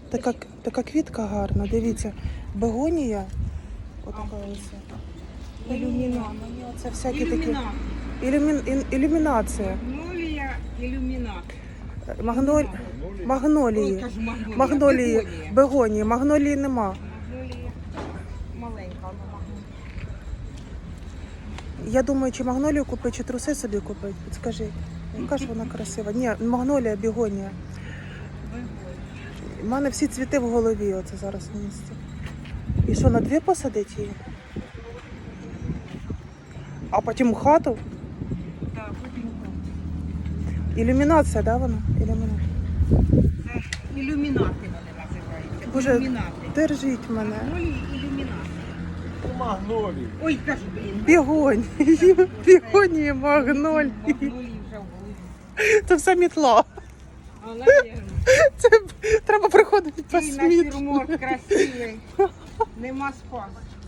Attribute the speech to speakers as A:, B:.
A: Така квітка гарна, дивіться. Бегонія. Отака ось.
B: Ілюмінат.
A: Мені оце всякі такі.
B: Ілюмінат.
A: Ілюмінація.
B: Магнолія, ілюмінат.
A: Магнолії.
B: Ой, кажу, магнолія.
A: Магнолії.
B: Бегонія.
A: Бегонії. Магнолії нема.
B: Магнолія маленька, вона магнолія.
A: Я думаю, чи магнолію купити, чи труси собі купити. Підскажіть. Яка ж вона красива. Ні, магнолія, бегонія. У мене всі цвіти в голові оце зараз на місці. І що, на дві посадити її? А потім у хату?
B: Так, потім.
A: Ілюмінація, да, вона? Ілюмінація.
B: Це ілюмінати вони називаються.
A: Боже,
B: Ілюмінати.
A: держіть мене.
B: Магнолії, ілюмінати.
C: Магнолії.
B: Ой, кажу, блін.
A: Бігонії, бігонії, магнолії.
B: Магнолії вже в голові.
A: Це все мітла.
B: Але
A: Це треба приходити по
B: такий
A: сміт.
B: натюрморт красивий. Нема спасу.